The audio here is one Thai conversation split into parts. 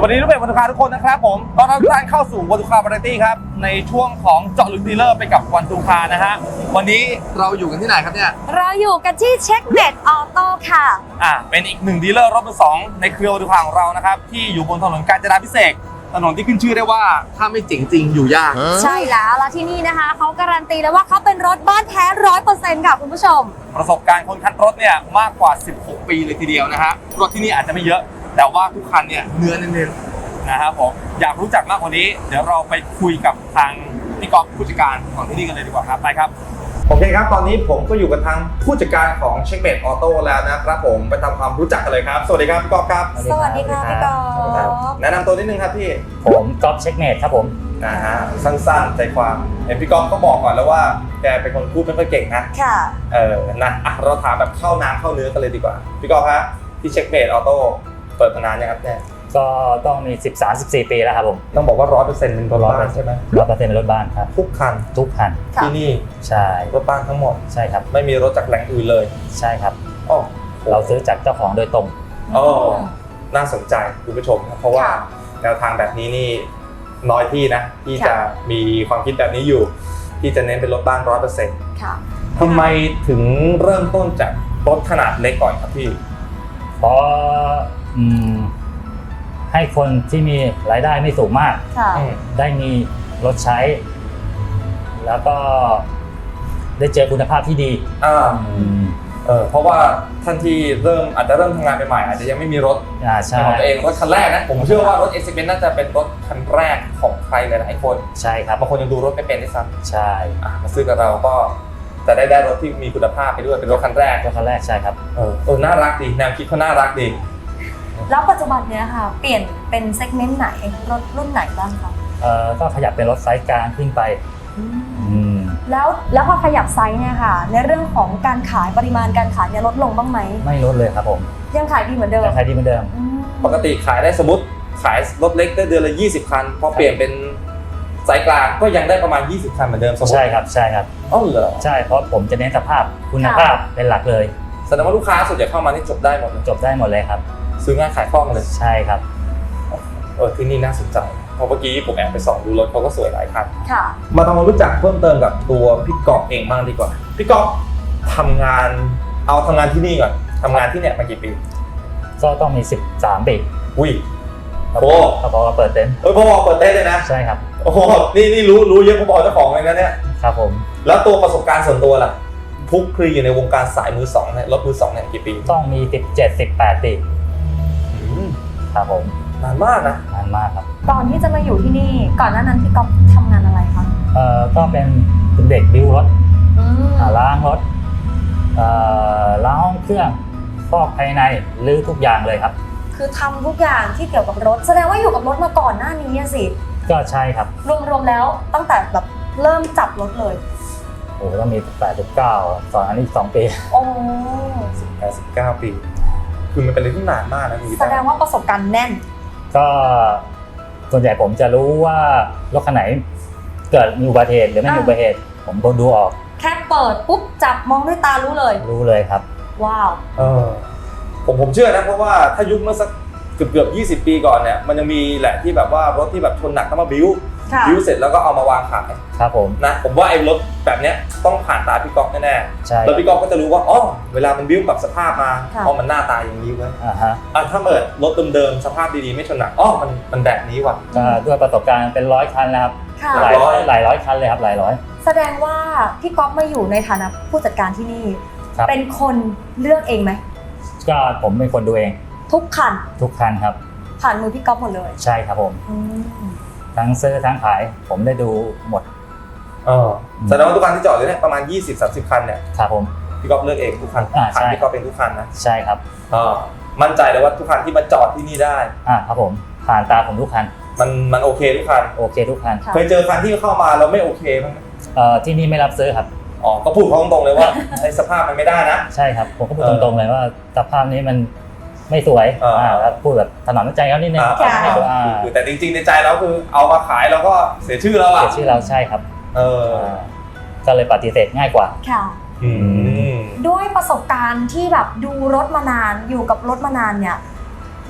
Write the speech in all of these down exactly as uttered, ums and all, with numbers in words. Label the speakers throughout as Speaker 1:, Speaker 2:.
Speaker 1: วัสดีทุกเพจวันทุกคาทุกคนนะครับผมตอนรับทุกท่านเข้าสู่วันทุกคาวาไรตี้ครับในช่วงของเจาะลึกดีลเลอร์ไปกับวันทุกคานะฮะวันนี้เราอยู่กันที่ไหนครับเนี่ย
Speaker 2: เราอยู่กันที่เช็คเด็ดออโต้ค่ะ
Speaker 1: อ่าเป็นอีกหนึ่งดีลเลอร์รถมือสองในเครือวันทุกคาของเรานะครับที่อยู่บนถนนกาญจนาพิเศษกถนนที่ขึ้นชื่อได้ว่าถ้าไม่เจ๋งจริงอยู่ยาก
Speaker 2: ใช่แล้วแล้วที่นี่นะคะเขาการันตีแล้วว่าเขาเป็นรถบ้านแท้ร้อยเปอร์เซ็นต์ค่ะคุณผู้ชม
Speaker 1: ประสบการณ์คนคันรถเนี่ยมากกว่าสิบหกปีเลยทีเดียวนะฮะรถที่นี่อาจจะไม่เยอะแต่ว่าทุกคันเนี่ยเนื้อเน้นๆนะครับผมอยากรู้จักมากกว่านี้เดี๋ยวเราไปคุยกับทางพี่กอล์ฟผู้จัดการของที่นี่กันเลยดีกว่าครับไปครับโอเคครับตอนนี้ผมก็อยู่กับทางผู้จัดการของเช็คเมทออโต้แล้วนะครับผมไปทำความรู้จักกันเลยครับสวัสดีครับพี่กอล์ฟครับ
Speaker 2: สวัสดีค่ะพี่กอล์ฟ
Speaker 1: แนะนำตัวนิดนึงครับพี่
Speaker 3: ผมกอล์ฟเช็คเมทครับผม
Speaker 1: นะฮะสั้นๆใจความเห็นพี่กอล์ฟก็บอกก่อนแล้วว่าแกเป็นคนพูดไม่ค่อยเก่งนะ
Speaker 2: ค่ะ
Speaker 1: เออนะอ่ะเราถามแบบเข้าน้ำเข้าเนื้อกันเลยดีกว่าพี่กอล์ฟฮะที่เช็คเมทออโต้เปิดมานานยังครับเนี่ย
Speaker 3: ก็ต้องมีสิบสาม สิบสี่ปีแล้วครับผม
Speaker 1: ต้องบอกว่า ร้อยเปอร์เซ็นต์ เป็นรถบ้านใช่ไหม
Speaker 3: ร้อยเปอร์เซ็นต์ เป็นรถบ้านครับ
Speaker 1: ทุกคัน
Speaker 3: ทุกคัน
Speaker 1: ที่นี่
Speaker 3: ใช่
Speaker 1: รถบ้านทั้งหมด
Speaker 3: ใช่ครับ
Speaker 1: ไม่มีรถจากแหล่งอื่นเลย
Speaker 3: ใช่ครับ
Speaker 1: อ๋อ
Speaker 3: เราซื้อจากเจ้าของโดยตรง
Speaker 1: อ๋อน่าสนใจคุณผู้ชมครับเพราะว่าแนวทางแบบนี้นี่น้อยที่นะที่จะมีความคิดแบบนี้อยู่ที่จะเน้นเป็นรถบ้าน ร้อยเปอร์เซ็นต์
Speaker 2: ค่ะ
Speaker 1: ทำไมถึงเริ่มต้นจากรถขนาดเล็กก่อนครับพี่
Speaker 3: เพราะอืมให้คนที่มีรายได้ไม่สูงมากได้มีรถใช้แล้วก็ได้เจอคุณภาพที่ดี
Speaker 1: อ่าเออเพราะว่าท่านที่เริ่มอาจจะเริ่มทำงานใหม่ๆอาจจะยังไม่มีรถของตัวเองรถคันแรกนะผมเชื่อว่ารถ เอ ซี เป็นน่าจะเป็นรถคันแรกของใครหลายๆคน
Speaker 3: ใช่ครับ
Speaker 1: บางคนยังดูรถไม่เป็นด้วยซ้
Speaker 3: ำใช่
Speaker 1: มาซื้อกับเราก็จะได้ได้รถที่มีคุณภาพไปด้วยเป็นรถคันแรก
Speaker 3: รถคันแรกใช่ครับ
Speaker 1: เออเออน่ารักดีแนวคิดเขาน่ารักดี
Speaker 2: แล้วปัจจุบันเนี้ยค่ะเปลี่ยนเป็นเซกเมนต์ไหนรถรุ่นไหนบ้างคะ
Speaker 3: เอ่อก็ขยับเป็นรถไซส์กลางขึ้นไป
Speaker 2: แล้วแล้วพอขยับไซส์เนี่ยค่ะในเรื่องของการขายปริมาณการขายเนี่ยลดลงบ้างไหม
Speaker 3: ไม่ลดเลยครับผม
Speaker 2: ยังขายดีเหมือนเดิม
Speaker 3: ยังขายดีเหมือนเดิม
Speaker 1: ปกติขายได้สมมติขายรถเล็กได้เดือนละยี่สิบคันพอเปลี่ยนเป็นไซส์กลางก็ยังได้ประมาณยี่สิบคันเหมือนเดิมสมมติ
Speaker 3: ใช่ครับใช่ครับ
Speaker 1: อ๋อเหรอ
Speaker 3: ใช่เพราะผมจะเน้นสภาพคุณภาพเป็นหลักเลย
Speaker 1: แสดงว่าลูกค้าส่วนใหญ่เข้ามานี่จบได้หมด
Speaker 3: จบได้หมดเลยครับ
Speaker 1: ซื้อง่ายขายคล่องเลย
Speaker 3: ใช่ครับ
Speaker 1: เออที่นี่น่าสนใจเพราะเมื่อกี้ผมแอบไปส่องดูรถเขาก็สวยหลายคัน
Speaker 2: ค่ะ
Speaker 1: มาทำความรู้จักเพิ่มเติมกับตัวพี่กอล์ฟเองบ้างดีกว่าพี่กอล์ฟทำงานเอาทำงานที่นี่ก่อนทำงานที่เนี่ยมากี่ปี
Speaker 3: ก็ต้องมีสิบสามปี
Speaker 1: อุ้ย
Speaker 3: โอ้พอเปิดเต็นท์
Speaker 1: เออพอเปิดเต็นท์เลยนะ
Speaker 3: ใช่ครับ
Speaker 1: โอ้โหนี่นี่รู้รู้เยอะพอๆเจ้าของเลยนะเนี่ย
Speaker 3: ครับผม
Speaker 1: แล้วตัวประสบการณ์ส่วนตัวล่ะพุกคลีอยู่ในวงการสายมือสองเนี่ยรถมือสองเนี่ยกี่ปี
Speaker 3: ต้องมีสิบเจ็ด สิบแปดปีครับผม
Speaker 1: นานมากนะ
Speaker 3: นานมากครับ
Speaker 2: ตอนที่จะมาอยู่ที่นี่ก่อนหน้านั้นพี่ก๊อฟทำงานอะไรคะ
Speaker 3: เอ่อก็เป็นเด็กบิวรถล้างรถเอ่อล้างห้องเครื่องฟอกภายในรื้อทุกอย่างเลยครับ
Speaker 2: คือทำทุกอย่างที่เกี่ยวกับรถแสดงว่าอยู่กับรถมาก่อนหน้านี้สิ
Speaker 3: ก็ใช่ครับ
Speaker 2: รวมๆแล้วตั้งแต่แบบเริ่มจับรถเลย
Speaker 3: โอ้ต้องมีแปด สิบเก้าสอนอันนี้สองปี
Speaker 2: โอ้
Speaker 1: สิบแปด สิบเก้าปีคือมันเป็นเรื่องที่นานมากนะ
Speaker 2: แสดงว่าประสบการณ์แน่น
Speaker 3: ก็ส่วนใหญ่ผมจะรู้ว่ารถคันไหนเกิดมีอุบัติเหตุหรือไม่มีอุบัติเหตุผมก็ดูออก
Speaker 2: แค่เปิดปุ๊บจับมองด้วยตารู้เลย
Speaker 3: รู้เลยครับ
Speaker 2: ว้าว
Speaker 1: เออผมผมเชื่อนะเพราะว่าถ้ายุคเมื่อสักเกือบเกือบยี่สิบปีก่อนเนี่ยมันยังมีแหละที่แบบว่ารถที่แบบชนหนักต้องมาบิ้วบิ้วเสร็จแล้วก็เอามาวางขาย
Speaker 3: ครับผม
Speaker 1: นะผมว่าไอ้รถแบบเนี้ยต้องผ่านตาพี่ก๊อฟแน่ๆใช่แล้วพี่ก๊อฟก็จะรู้ว่าอ๋อเวลามันบิ้วปรับสภาพมาอ๋อมันหน้าตาอย่างนี้เว้ย
Speaker 3: อ่าฮะ
Speaker 1: อ่ะถ้าเปิดรถเดิมๆสภาพดีๆไม่ชนหนักอ๋อมันมันแบบนี้ว่ะ
Speaker 3: ก็ด้วยประสบการณ์เป็นร้อยคันแล้วครับหลายร้อยหลายร้อยคันเลยครับหลายร้อย
Speaker 2: แสดงว่าพี่ก๊อฟมาอยู่ในฐานะผู้จัดการที่นี่เป็นคนเลือกเองไหม
Speaker 3: ก็ผมเป็นคนดูเอง
Speaker 2: ทุกคัน
Speaker 3: ทุกคันครับ
Speaker 2: ผ่านมือพี่ก๊อฟหมดเลย
Speaker 3: ใช่ครับผมทั้งซื้อทั้งขายผมได้ดูหมด
Speaker 1: เออแสดงว่าทุกคันที่จอดอยู่เนี่ยประมาณ ยี่สิบ สามสิบ คันเนี่ย
Speaker 3: ครับผม
Speaker 1: พี่ก๊อฟเลือกเองทุกคันผ่านพี่ก๊อฟเป็นทุกคันนะ
Speaker 3: ใช่ครับ
Speaker 1: อ่ามั่นใจเลยว่าทุกคันที่มาจอดที่นี่ได้
Speaker 3: อ่าครับผมผ่านตาผมทุกคัน
Speaker 1: มันมันโอเคทุกคัน
Speaker 3: โอเคทุกคัน
Speaker 1: เคยเจอคันที่เข้ามาแล้วไม่โอเคบ้างไหม
Speaker 3: เอ่อที่นี่ไม่รับซื้อครับ
Speaker 1: อ๋อก็พูดเขาตรงๆเลยว่าไอ้สภาพมันไม่ได้นะ
Speaker 3: ใช่ครับผมก็พูดตรงๆเลยว่าสภาพนี้มันไม่สวยอ่าแล้วพูดแบบถนอมน้ำใจเขานิดนึง
Speaker 1: คือแต่จริงๆในใจเราคือเอามาขายแล้วก็เสียชื่อเราอะ
Speaker 3: เสียชื่อเราใช่ครับ
Speaker 1: เออ
Speaker 3: ก็เลยปฏิเสธง่ายกว่า
Speaker 2: ค่ะด้วยประสบการณ์ที่แบบดูรถมานานอยู่กับรถมานานเนี่ย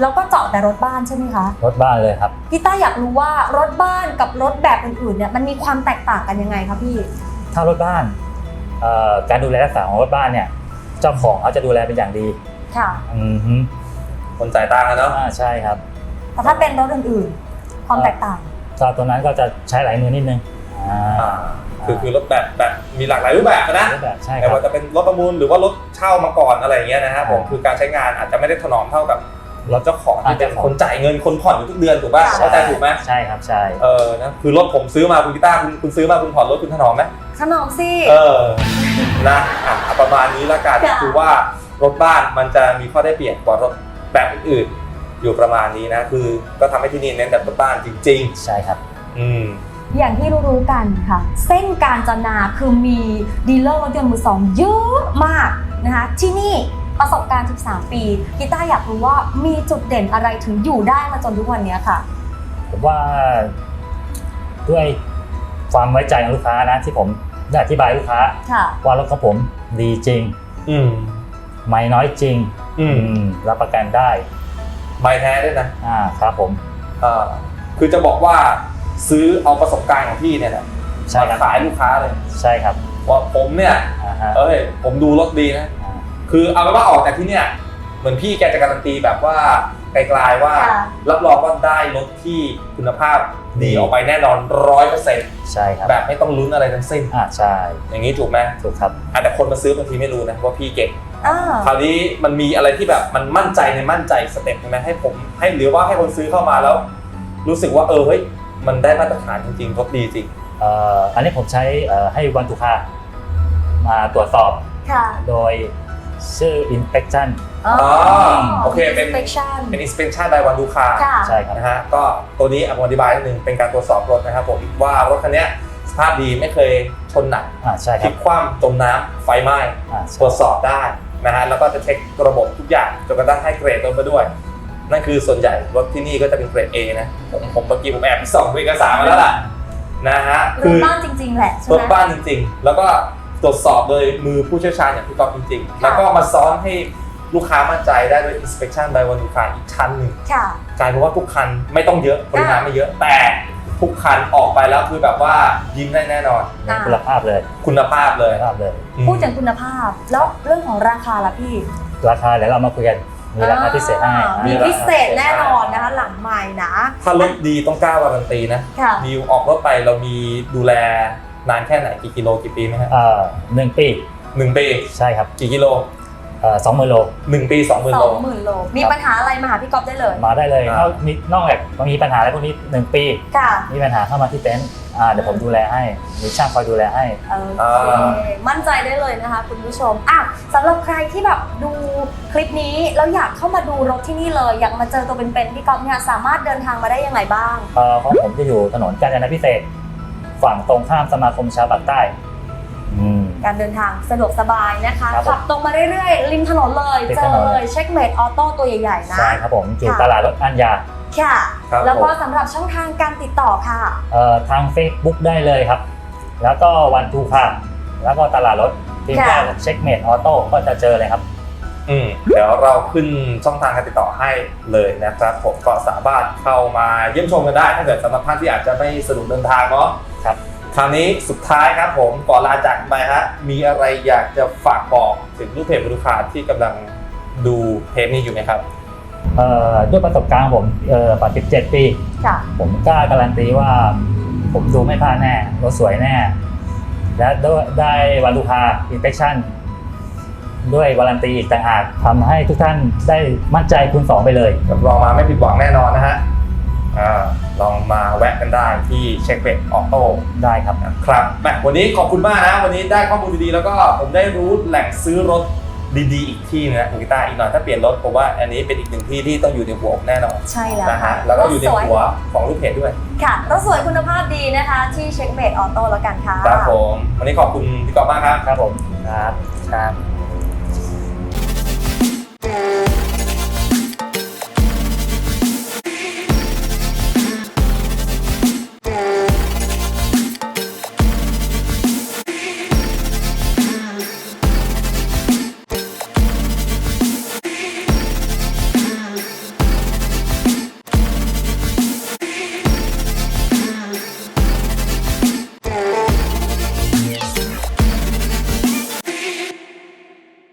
Speaker 2: แล้วก็เจาะแต่รถบ้านใช่ไหมคะ
Speaker 3: รถบ้านเลยครับ
Speaker 2: พี่ต้าอยากรู้ว่ารถบ้านกับรถแบบอื่นๆเนี่ยมันมีความแตกต่างกันยังไงคะพี่
Speaker 3: ถ้ารถบ้านเอ่อการดูแลรักษาของรถบ้านเนี่ยเจ้าของเขาจะดูแลเป็นอย่างดี
Speaker 2: ค่ะ
Speaker 3: อือฮึ
Speaker 1: คนจ่ายตังค์อะเนาะ
Speaker 3: อ่าใช่ครับ
Speaker 2: แต่ถ้าเป็นรถอื่นๆ ความแตกต่าง
Speaker 3: ก็ตัวนั้นก็จะใช้หลายมือนิดนึงอ่า
Speaker 1: อ่าคือคือรถแบบแบบมีหลากหลายรูปแบบนะ
Speaker 3: รถแบบใช่ค
Speaker 1: แต่
Speaker 3: รับ
Speaker 1: ว่าจะเป็นรถประมูลหรือว่ารถเช่ามาก่อนอะไรอย่างเงี้ยนะครับผมคือการใช้งานอาจจะไม่ได้ถนอมเท่ากับรถเจ้าของที่เป็นคนจ่ายเงินคนผ่อนอยู่ทุกเดือนถูกป่ะ
Speaker 2: ใช่
Speaker 1: เข้าใจถูกไหม
Speaker 3: ใช่ครับใช่
Speaker 1: เออนะคือรถผมซื้อมาคุณกีตาร์คุณคุณซื้อมาคุณผ่อนรถคุณถนอมไหม
Speaker 2: ขนมสิ
Speaker 1: เออนะอ่ะประมาณนี้ละกัน
Speaker 2: ค่ะ
Speaker 1: คือว่ารถบ้านมันจะมีข้อได้เปรียบกว่ารถแบบอื่นๆอยู่ประมาณนี้นะคือก็ทำให้ที่นี่เน้นแบบรถบ้านจริง
Speaker 3: ใช่ครับ
Speaker 1: ๆ อืม
Speaker 2: อย่างที่รู้ๆกันค่ะ เส้นการจนาคือมีดีลเลอร์รถยนต์มือสองเยอะมากนะคะที่นี่ประสบการณ์สิบสามปีกีต้าอยากรู้ว่ามีจุดเด่นอะไรถึงอยู่ได้มาจนทุกวันนี้ค่ะ
Speaker 3: ผมว่าด้วยความไว้ใจของลูกค้านะที่ผมได้อธิบายลูกค้า
Speaker 2: ค่ะ
Speaker 3: ว่ารถของผมดีจริง
Speaker 1: อืม
Speaker 3: ไม่น้อยจริง
Speaker 1: อืม
Speaker 3: อืมรับประกันได้
Speaker 1: ไม่แท้ด้วยนะ
Speaker 3: อ่าครับผม
Speaker 1: เออคือจะบอกว่าซื้อเอาประสบการณ์ของพี่เนี่ยแหละ
Speaker 3: ใช่
Speaker 1: มา
Speaker 3: ครับ
Speaker 1: ขายลูกค้าเลย
Speaker 3: ใช่ครับ
Speaker 1: ว่าผมเนี่ย
Speaker 3: อ่าฮะ
Speaker 1: เอ้ยผมดูรถดีนะ
Speaker 3: อ่า
Speaker 1: คือเอาเป็นว่าออกจากที่เนี่ยเหมือนพี่แกจะการันตีแบบว่าไกลๆว่า
Speaker 2: ค่ะ
Speaker 1: รับรองว่าได้รถที่คุณภาพดีออกไปแน่นอนร้อยเปอร์เซ็นต์
Speaker 3: ใช่ครับ
Speaker 1: แบบไม่ต้องลุ้นอะไรทั้งสิ้น
Speaker 3: อ่าใช่
Speaker 1: อย่างนี้ถูกไหม
Speaker 3: ถูกครับ
Speaker 1: อ่ะแต่คนมาซื้อบางทีไม่รู้นะว่าพี่เก่ง
Speaker 2: อ่า
Speaker 1: คราวนี้มันมีอะไรที่แบบมันมั่นใจในมั่นใจสเต็ปใช่ไหมให้ผมให้หรือว่าให้คนซื้อเข้ามาแล้ว รู้สึกว่าเออเฮ้ยมันได้มาตรฐานจริงๆรถดีจริง
Speaker 3: เอ่ออันนี้ผมใช้เอ่อให้วันทุกค่ามาตรวจสอบ
Speaker 2: ค่ะ
Speaker 3: โดยชื่อ inspection
Speaker 2: อ๋อ
Speaker 1: โอเคเป็น
Speaker 2: inspection
Speaker 1: เป็น inspection รายวันดูคา
Speaker 2: ค่ะ
Speaker 3: ใช่ครับ
Speaker 1: นะฮะก็ตัวนี้ผมอธิบายนิดนึงเป็นการตรวจสอบรถนะครับผมว่ารถคันนี้สภาพดีไม่เคยชนหนัก
Speaker 3: อ่าใช่
Speaker 1: พ
Speaker 3: ค
Speaker 1: ลิ
Speaker 3: รับ
Speaker 1: กคว่ำจมน้ำไฟไหม้
Speaker 3: อ่า
Speaker 1: ตรวจสอบได้นะฮะแล้วก็จะเช็คระบบทุกอย่างจนกระทั่งให้เกรดรถมาด้วย นั่นคือส่วนใหญ่รถที่นี่ก็จะเป็นเกรด A นะผมผมเมื่อกี้ผมแอบไปส่องเอกสารมาแล้วล่ะนะฮะ
Speaker 2: ร
Speaker 1: คื
Speaker 2: ถ
Speaker 1: อ
Speaker 2: บ้านจริงๆแหละใช่
Speaker 1: ร
Speaker 2: ไห
Speaker 1: ถ
Speaker 2: ม
Speaker 1: บ้านจริงๆ แล้วก็ตรวจสอบโดยมือผู้เชี่ยวชาญอย่างพี่ก๊อฟจริงๆ แล้วก็มาซ้อนให้ลูกค้ามั่นใจได้ด้วย inspection by วันลูกค้าอีกชั้นหนึ่ง
Speaker 2: ค่ะ
Speaker 1: กลายเป็นว่าทุกคันไม่ต้องเยอะปริมาณไม่เยอะแต่ทุกคันออกไปแล้วคือแบบว่ายิ้มได้แน่นอน
Speaker 2: อ่า
Speaker 3: คุณภาพเลย
Speaker 1: คุณภาพเลย
Speaker 3: คุณภาพเลย
Speaker 1: อืม
Speaker 2: พูดถึงคุณภาพ แล้วเรื่องของราคาล่ะพี่
Speaker 3: ราคาเดี๋ยวเรามาคุยกันมีราคาพิเศษให้
Speaker 2: อ่ามี
Speaker 3: อ่า
Speaker 2: พิเศษแน่นอนนะคะหลังใหม่นะ
Speaker 1: ถ้ารถดีต้องกล้าวารันตีนะ
Speaker 2: ค่ะ
Speaker 1: มีออกรถไปเรามีดูแลนานแค่ไหนกี่กิโลกี่ปีไหมฮะ
Speaker 3: เอ่อหนึ่งปี
Speaker 1: หนึ่งปี
Speaker 3: ใช่ครับ
Speaker 1: กี่กิโล
Speaker 3: เอ่อสองหมื่นโล
Speaker 1: หนึ่งปีสองหมื่น
Speaker 2: ส
Speaker 1: โล
Speaker 2: องหมื่นโล มีปัญหาอะไรมาหาพี่ก๊อฟได้เลย
Speaker 3: มาได้เลย
Speaker 1: อ่า
Speaker 3: นอกมีนอกจากมีปัญหาอะไรพวกนี้หนึ่งปี
Speaker 2: ค่ะ
Speaker 3: มีปัญหาเข้ามาที่เต็นท์อ่าเดี๋ยวผมดูแลให้มีช่างคอยดูแลให้
Speaker 2: โอเค มั่นใจได้เลยนะคะคุณผู้ชมอ่ะสำหรับใครที่แบบดูคลิปนี้แล้วอยากเข้ามาดูรถที่นี่เลย อยากมาเจอตัวเป็นๆพี่ก๊อฟเนี่ยสามารถเดินทางมาได้ยังไงบ้าง
Speaker 3: เอ่อของผมจะอยู่ถนนกาญจนาพิเศษกฝั่งตรงข้ามสมาคมชาวปากใต้อืม
Speaker 2: การเดินทางสะดวกสบายนะคะ
Speaker 3: ครับผม
Speaker 2: ขับตรงมาเรื่อยๆ ริมถนนเลย
Speaker 3: ริม
Speaker 2: เจ
Speaker 3: ถ
Speaker 2: อน
Speaker 3: น
Speaker 2: เลยเช็คเมดออโต้ตัวใหญ่ๆนะ
Speaker 3: ใช่ครับผมอยู่
Speaker 2: ค่ะ
Speaker 3: ตลาดรถอัญญา
Speaker 2: ค่ะ
Speaker 1: ครับ
Speaker 2: แล้วก็
Speaker 1: ผม
Speaker 2: สำหรับช่องทางการติดต่อค่ะ
Speaker 3: เอ่อทาง Facebook ได้เลยครับ แล้วก็วันทูคาแล้วก็ตลาดรถทีม
Speaker 2: ค่ะ
Speaker 3: แรกเช็คเมดออโต้ก็จะเจอเลยครับ
Speaker 1: อืมเดี๋ยวเราขึ้นช่องทางการติดต่อให้เลยนะครับผมก็สามารถเข้ามาเยี่ยมชมกันได้ถ้าเกิดสำหรับท่านที่อาจจะไม่สะดวกเดินทางเนาะ
Speaker 3: ครับ
Speaker 1: คราวนี้สุดท้ายครับผมก่อนลาจากไปฮะมีอะไรอยากจะฝากบอกถึงลูกเพจลูกค้าที่กำลังดูเทปนี้อยู่ไหมครับ
Speaker 3: เอ่อด้วยประสบการณ์ของผมเอ่อกว่าสิบเจ็ดปี
Speaker 2: ค่ะ
Speaker 3: ผมกล้าการันตีว่าผมดูไม่พลาดแน่รถสวยแน่ และด้วยได้วันลูกค้าอินสเปคชั่นด้วยวารันตีอีกต่างหากทำให้ทุกท่านได้มั่นใจคูณสองไปเลย
Speaker 1: รับรองมาไม่ผิดหวังแน่นอนนะฮะอ่าลองมาแวะกันได้ที่เช็คเบดออโต้
Speaker 3: ได้ครับ
Speaker 1: นะครับแหมวันนี้ขอบคุณมากนะ วันนี้ได้ข้อมูลดีๆ แล้วก็ผมได้รู้แหล่งซื้อรถดีๆ อีกที่นึงนะคุณกีตาร์อีกหน่อยถ้าเปลี่ยนรถผมว่าอันนี้เป็นอีกหนึ่งที่ที่ต้องอยู่ในหัวผมแน่นอน
Speaker 2: ใช่แล้ว
Speaker 1: นะ
Speaker 2: ค่ะ
Speaker 1: ฮะแล้วก็อยู่ใน
Speaker 2: รถสวย
Speaker 1: หัวของลูกเพจด้วย
Speaker 2: ค่ะรถสวยคุณภาพดีนะคะ ที่เช็คเมดออโต้แล้วกันค่ะ
Speaker 1: ครับผมวันนี้ขอบคุณพี่กอล์ฟมากครับ
Speaker 3: ครับผม